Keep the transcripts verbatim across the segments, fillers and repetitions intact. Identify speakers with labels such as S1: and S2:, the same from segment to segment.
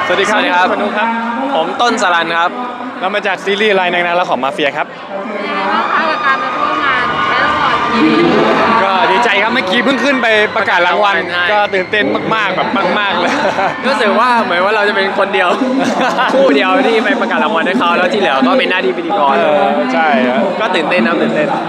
S1: สวัสดีครับคุณนุ๊กครับ
S2: ผมต้นสรัญครับ
S1: เรามาจากซีรีส์รายในนางและของมาเฟียครับ
S3: เป็นยังไงบ้างคะกับการมาร่วมงานแคทวอร์ดทีวี
S1: ก็ดีใจครับเมื่อกี้เพิ่งขึ้นไปประกาศรางวัลก็ตื่นเต้นมากๆแบบมากๆเลย
S2: รู้สึกว่าเหมือนว่าเราจะเป็นคนเดียวคู่เดียวที่ไปประกาศรางวัลให้เขาแล้วที่เหลือก็เป็นหน้าที่พิธีกร
S1: ใช่
S2: ก็ตื่นเต้นนะตื่นเต้น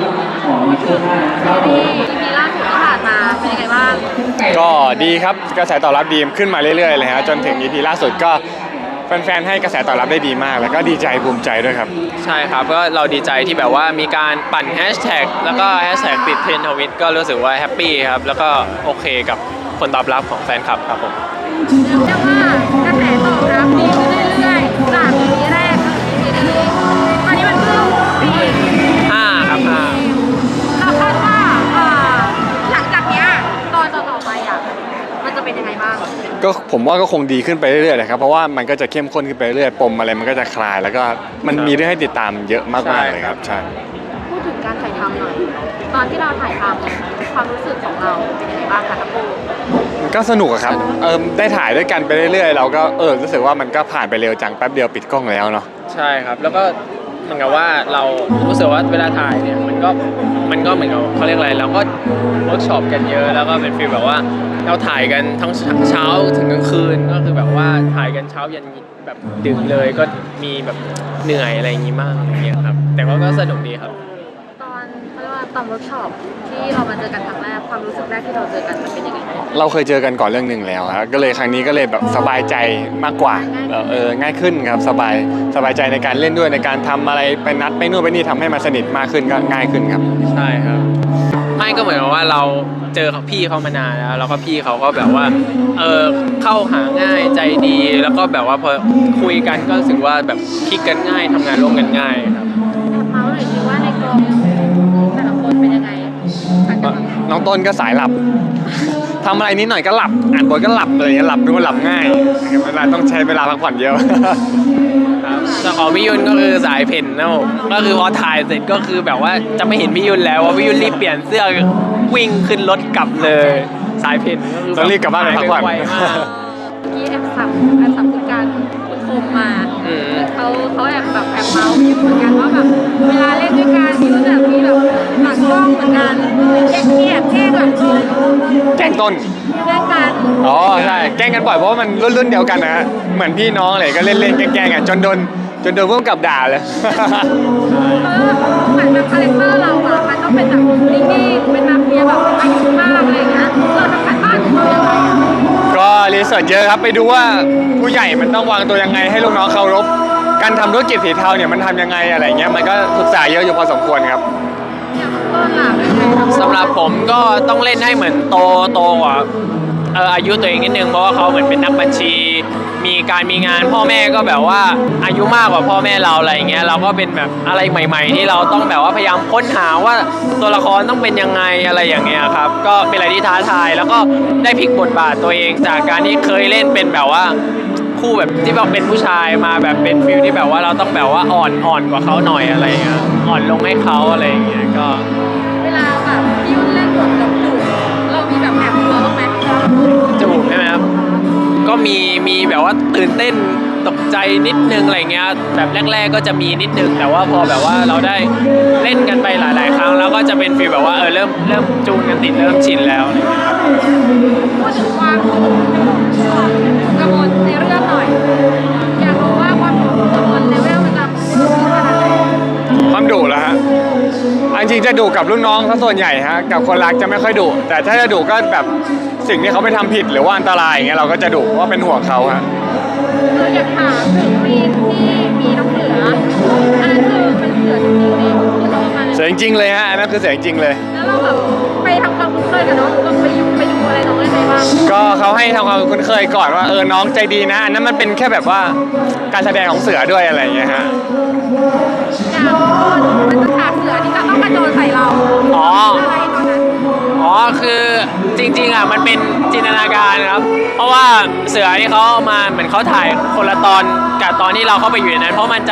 S3: ซีรีส์อีพีล่าสุดที่ผ่านมาเป็นยังไงบ้าง
S1: ก็ดีครับกระแสตอบรับดีขึ้นมาเรื่อยๆเลยฮะจนถึง อี พี ล่าสุดก็แฟนๆให้กระแสตอบรับได้ดีมากแล้วก็ดีใจภูมิใจด้วยครับ
S2: ใช่ครับก็เราดีใจที่แบบว่ามีการปั่นแฮชแท็กแล้วก็แฮชแท็กติดเทรนด์ทวิตก็รู้สึกว่าแฮปปี้ครับแล้วก็โอเคกับผลตอบรับของแฟนคลับครับผม
S3: เรียกว่ากระแสตอบรับดีขึ้นเรื่อยๆจาก อี พี แรกถึง อี พี นี้ตอนนี้มันเพิ่มไปอีก
S2: ห้าครับห้า
S3: เราคาดว่าหลังจากนี้ตอนต่อๆไปอ่ะมันจะเป็นยังไงบ้าง
S1: ก็ผมว่าก็คงดีขึ้นไปเรื่อยๆนะครับเพราะว่ามันก็จะเข้มข้นขึ้นไปเรื่อยปมอะไรมันก็จะคลายแล้วก็มันมีเรื่องให้ติดตามเยอะมากๆเลยครับใช่
S3: พูดถึงการถ่ายทำหน่อยตอนที่เราถ่ายทำความรู้สึกของเราเป็นยังไงบ้างคะทั้งคู่
S1: ก็สนุกครับเออได้ถ่ายด้วยกันไปเรื่อยๆเราก็เออรู้สึกว่ามันก็ผ่านไปเร็วจังแป๊บเดียวปิดกล้องแล้วเนาะ
S2: ใช่ครับแล้วก็เหมือนกับว่าเรารู้สึกว่าเวลาถ่ายเนี่ยมันก็มันก็เหมือนกับเขาเรียกอะไรเราก็เวิร์กช็อปกันเยอะแล้วก็เป็นฟีลแบบว่าเราถ่ายกันทั้งเช้าถึงกลางคืนก็คือแบบว่าถ่ายกันเช้ายันแบบดึกเลยก็มีแบบเหนื่อยอะไรอย่างงี้มากอย่างเงี้ยครับแต่ว่าก็สนุกดีครับ
S3: ตอนเขาเรียกว่าตอนเวิร์กช็อปที่เรามาเจอกันครั้งแรกความรู้สึกแรกที่เราเจอกันมันเป็นยังไง
S1: เราเคยเจอกันก่อนเรื่องหนึ่งแล้วครับก็เลยครั้งนี้ก็เลยแบบสบายใจมากกว่าเออง่ายขึ้นครับสบายสบายใจในการเล่นด้วยในการทำอะไรไปนัดไปนู่นไปนี่ทำให้มันสนิทมากขึ้นก็ง่ายขึ้นครับ
S2: ใช่ครับไม่ก็เหมือนว่าเราเจอพี่เขามานานแล้วแล้วก็พี่เขาก็แบบว่าเออเข้าหาง่ายใจดีแล้วก็แบบว่าพอคุยกันก็รู้สึกว่าแบบคลิกกันง่ายทำงานร่วมกันง่ายครับ
S3: แอบเมาส์หน่อยสิว่าในกองแต่ละคนเป็นยังไง
S1: น้องต้นก็สายหลับทำอะไรนิดหน่อยก็หลับอ่านบทก็หลับอะไรอย่างเงี้ยหลับดูว่าหลับง่ายเวลาต้องใช้เวลาพักผ่อนเยอะ
S2: ส่วนของพี่ยุนก็คือสายเพ่นนะผมก็คือพอถ่ายเสร็จก็คือแบบว่าจะไม่เห็นพี่ยุนแล้วว่าพี่ยุนรีบเปลี่ยนเสื้อวิ่งขึ้นรถกลับเลยสายเพ่น
S1: ต้องรีบกลับบ้านไปพักผ่อน
S3: กี้แอบสับแอบสับคุณการคุณคมมาเขาเขาแอบแบบแอบเมาส์พี่เหมือนกันว่าแบบเวลาเล่นด้วยกันพี่รู้จักพี่แบบหลังกล้องเหมือนกันแกล้งเกียดแกล้งหลังกล้อง
S1: แกล้งต้น
S3: แกล้งกัน
S1: อ๋อใช่แกล้งกันบ่อยเพราะว่ามันรุ่นรุ่นเดียวกันนะฮะเหมือนพี่น้องอะไรก็เล่นเล่นแกล้งกันจนโดนจนโดนพวกกับด่าเลย
S3: เหมือนแบบคาแรคเตอร์เราอะมันต้องเป็นแบบนิ่งๆเป็นมาเฟียแบบอายุมากอะไรเงี้ยเราทำการบ้านของเรายังไง
S1: ก็รีเสิร์ชเยอะครับไปดูว่าผู้ใหญ่มันต้องวางตัวยังไงให้ลูกน้องเคารพการทำธุรกิจสีเทาเนี่ยมันทำยังไงอะไรเงี้ยมันก็ศึกษาเยอะอยู่พอสมควรครับ
S2: สำหรับผมก็ต้องเล่นให้เหมือนโตโตกว่าเอออายุตัวเองนิดนึงเพราะว่าเขาเหมือนเป็นนักบัญชีมีการมีงานพ่อแม่ก็แบบว่าอายุมากกว่าพ่อแม่เราอะไรเงี้ยเราก็เป็นแบบอะไรใหม่ๆที่เราต้องแบบว่าพยายามค้นหาว่าตัวละครต้องเป็นยังไงอะไรอย่างเงี้ยครับก็เป็นอะไรที่ท้าทายแล้วก็ได้พลิกบทบาทตัวเองจากการที่เคยเล่นเป็นแบบว่าคู่แบบที่แบบเป็นผู้ชายมาแบบเป็นฟิลที่แบบว่าเราต้องแบบว่าอ่อนอ่อนกว่าเขาหน่อยอะไรเงี้ยอ่อนลงให้เขาอะไรอย่างเงี้ยก็
S3: เวลาแบบพี่ยุ่นเล่นบทแบบดุเรามีแบบแอบกลัวบ้างไหม
S2: จูบใช่ไหมครับก็มีมีแบบว่าตื่นเต้นตกใจนิดนึงอะไรเงี้ยแบบแรกๆก็จะมีนิดนึงแต่ว่าพอแบบว่าเราได้เล่นกันไปหลายๆครั้งแล้วก็จะเป็นฟีลแบบว่าเออเริ่มเริ่มจูนกันติดเริ่มชินแล้วอะไรเงี้ยครับ
S3: พูดถึงความกังวลในเรื่องหน่อยอยากรู้ว่าความกังวลเลเวลมันจะสูงขนาดไหน
S1: ความดุเหรอฮะจริงๆจะดุกับลูกน้องซะส่วนใหญ่ฮะกับคนรักจะไม่ค่อยดุแต่ถ้าจะดุก็แบบสิ่งที่เขาไปทำผิดหรือว่าอันตรายอย่างเงี้ยเราก็จะดุเพราะว่าเป็นห่วงเขาฮะ
S3: เราอยากถามถึงซีนที่มีน้องเสืออันนั้นคือเป็นเสือจริงๆเลย
S1: เสือจริงๆเลยฮะอันนั้นคือเสือจริงๆเลย
S3: แล้วเราแบบไปทำความคุ้นเคยกับน้องเราไปยุ่งไปดูอะไรน้องได้ไหมบ้าง
S1: ก็เขาให้ทำความคุ้นเคยก่อนว่าเออน้องใจดีนะอันนั้นมันเป็นแค่แบบว่าการแสดงของเสือด้วยอะไรอย่างเงี้ยฮะ
S3: อย่างมันจะฉากเสือที่จะต้องกระโจนใส่เรา
S2: อ๋อ
S3: อะไรตอนนั้น
S2: อ๋อคือจริงๆอ่ะมันเป็นจินตนาการครับเพราะว่าเสือที่เขามาเหมือนเขาถ่ายคนละตอนกับตอนที่เราเข้าไปอยู่ในนั้นเพราะมันจะ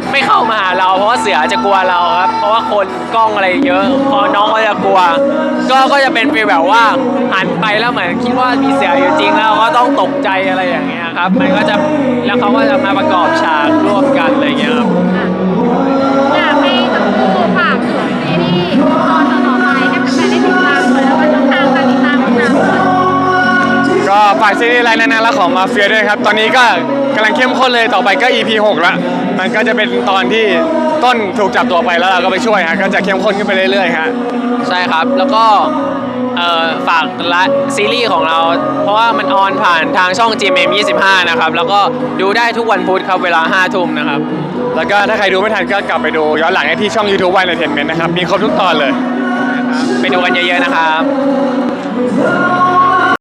S2: ไม่เข้ามาหาเราเพราะว่าเสือจะกลัวเราครับเพราะว่าคนกล้องอะไรเยอะพอน้องก็จะกลัว ก็ก็จะเป็นฟีลแบบว่าหันไปแล้วเหมือนคิดว่ามีเสืออยู่จริงแล้วก็ต้องตกใจอะไรอย่างเงี้ยครับมันก็จะแล้วเขาก็จะมาประกอบฉากร่วมกันอะไรอย่างเงี้ยครับ
S3: อยากให้ทั้งคู่ฝากถึงซีรีส์ตอนต่อๆไปให้แฟนๆได้ติดตามเลยแล้วก็ช่องทางการติดตามของเรา
S1: ก็ฝากซีรีส์ไลน์นานาและของมาเฟียด้วยครับตอนนี้ก็กำลังเข้มข้นเลยต่อไปก็ อี พี หกแล้วมันก็จะเป็นตอนที่ต้นถูกจับตัวไปแล้วเราก็ไปช่วยฮะก็จะเข้มข้นขึ้นไปเรื่อยๆฮะ
S2: ใช่ครับ แล้วก็เอ่อฝากละซีรีส์ของเรา เพราะว่ามันออนผ่านทางช่อง จี เอ็ม เอ็ม ยี่สิบห้า นะครับ แล้วก็ดูได้ทุกวันพุธครับเวลาห้าทุ่มนะครับ
S1: แล้วก็ถ้าใครดูไม่ทันก็กลับไปดูย้อนหลังได้ที่ช่อง YouTube วัน Entertainment นะครับมีครบทุกตอนเลย
S2: ไปดูกันเยอะๆนะครับ